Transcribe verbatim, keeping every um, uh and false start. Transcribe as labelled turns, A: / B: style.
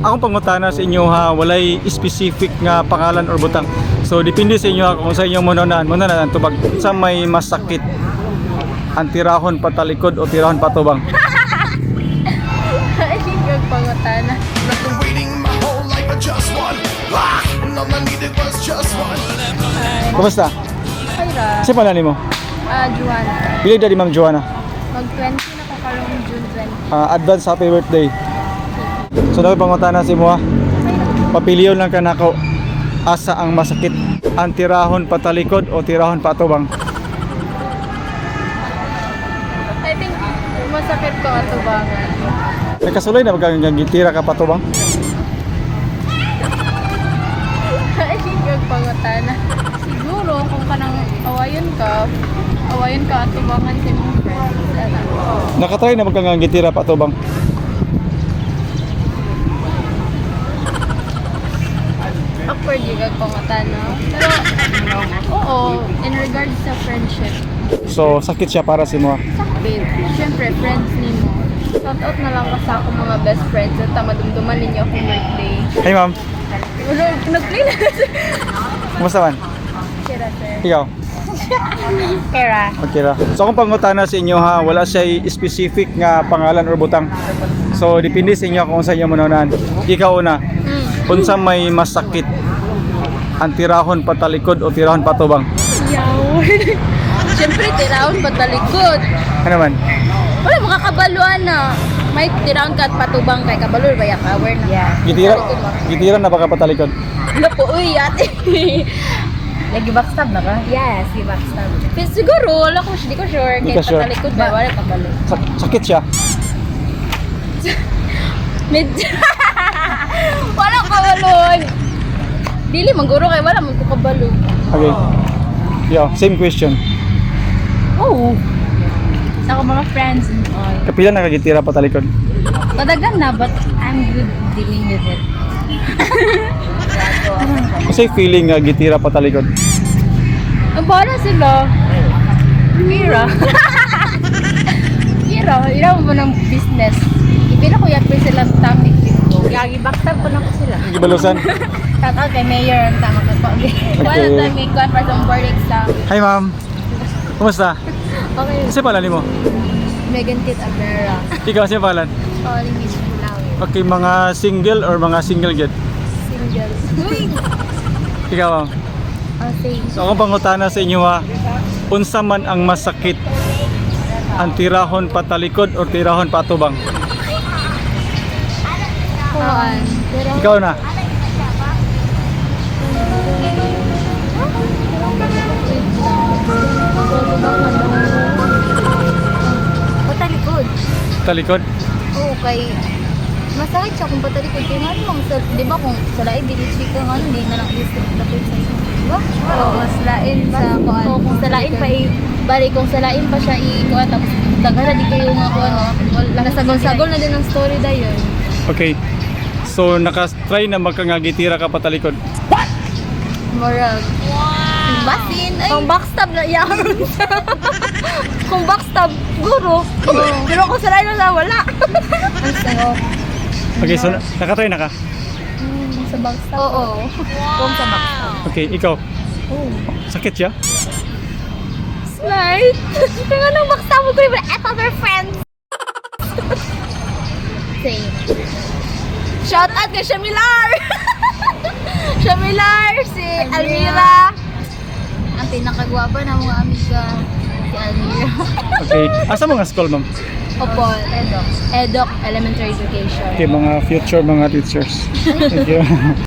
A: akong pangutana sa inyo ha, walay specific nga pangalan or butang. So depende sa inyo ha, kung sa inyo mo nonan, mo nonan tubag sa may masakit. Ang tirahon patalikod o tirahon patubang.
B: Ay, yung pangutana.
A: Kumusta?
B: Ay, ra.
A: Kasi pala ni mo?
B: Ah, Juana.
A: Pili na di Ma'am Joanna.
B: Mag-twenty na ko karong June twenty.
A: Ah, advance happy birthday. So daw pangutana si mo ha. Papiliyon lang ka nako. Asa ang masakit? Ang tirahon patalikod o tirahon patubang?
B: I think masakit ko ato bangan.
A: Nagkasuloy na magagitira ka patubang?
B: Ay, yung pangutana. Siguro kung kanang awayon ka, awayon ka ato bangan sa mong friends. Ano?
A: Nakatry na magagitira patubang?
B: Awkward yung pangutana. Pero, oo, in regards sa friendship.
A: So sakit siya para si mo ha.
B: Babe, syempre, friends ni mo. Shout out na lang ka sa akong mga best friends at madumduman ninyo akong birthday.
A: Hey ma'am,
B: Wala, nag-play na.
A: kumusta man?
B: Kira, sir.
A: Ikaw?
B: Kira.
A: Okay ra. So akong pangutana sa inyo ha, wala siya specific nga pangalan or butang. So depende sa inyo kung sa inyo mo nonan. Ikaw una,
B: Mm.
A: unsa may masakit? Ang tirahon patalikod o tirahon patubang?
B: Yaw. Syempre, tiraon patalikod.
A: Ano man?
B: Wala, makakabaluan na. May tiraon ka at patubang kay kabalo, baya cover na. Yeah.
A: Gitira, gitira na baka patalikod.
B: Wala po, uy, ate.
C: Lagi backstab na ka?
B: Yes, si backstab. Pero siguro, wala ko, di ko sure.
A: Di
B: Kaya
A: ka sure.
B: patalikod ba, wala kabalo.
A: Sak- sakit siya.
B: Medyo. Wala kabalon. Dili, mangguro kay wala, magkukabalo.
A: Okay. Yo, same question.
C: Oo. Sa ako mga friends and all.
A: Kapila nakagitira patalikod?
C: Madagan na, but I'm good dealing with it.
A: Kasi feeling nga gitira patalikod.
B: Ang bahala sila.
C: Mira.
B: Ira, ira mo ng business. Ipila ko yapin silang topic dito.
C: Gagi backstab ko na ko sila.
A: Gibalusan.
B: Shout out kay Mayor ang tama ka po. Wala
A: Okay.
B: tayo may kuha para sa board exam.
A: Hi ma'am. Kumusta?
B: Okay.
A: Kasi pala ni mo?
B: Megan Kit Abrera.
A: Ikaw siya palan?
B: Calling Miss Flower.
A: Okay, mga single or mga single get?
B: Single. Uy!
A: Ikaw ma'am.
B: Oh, same.
A: So akong pangutana sa inyo ha, unsa man ang masakit? Ang tirahon patalikod o tirahon patubang?
B: Kuhaan.
A: Ikaw na.
B: Patalikod.
A: Talikod?
B: Oo, kay masakit siya kung patalikod. Kaya nga naman, sa, di ba kung sa lain, dili-chika ka nga, hindi na lang i-strip na sa iyo. Di ba? Oo, mas lain sa kuhaan. Oo, kung sa lain pa i- bali, kung sa lain pa siya i-kuhaan, tapos daghan na di kayo nga kuhaan, no? Nasagol-sagol na din ang story da yun.
A: Okay. So nakatry na magkangagitira ka patalikod?
B: Morag. Wow! Basin! Ay. Kung backstab na yan. Kung backstab, guro. Pero kung sa lain na wala. Ang sayo.
A: Okay, so na- nakatry na ka?
B: Sa backstab? Oo. Kung sa backstab.
A: Okay, ikaw.
B: Oh.
A: Sakit siya?
B: Smart! Kaya nang backstab mo ko yung other friends. Same. Shout out kay Shamilar! Shamilar, si Almira. Ang pinakagwapa ng mga amiga, si Almira.
A: Okay. Asa mga school ma'am?
B: Opo, Edok. Edok Elementary Education.
A: Okay, mga future mga teachers. Thank you.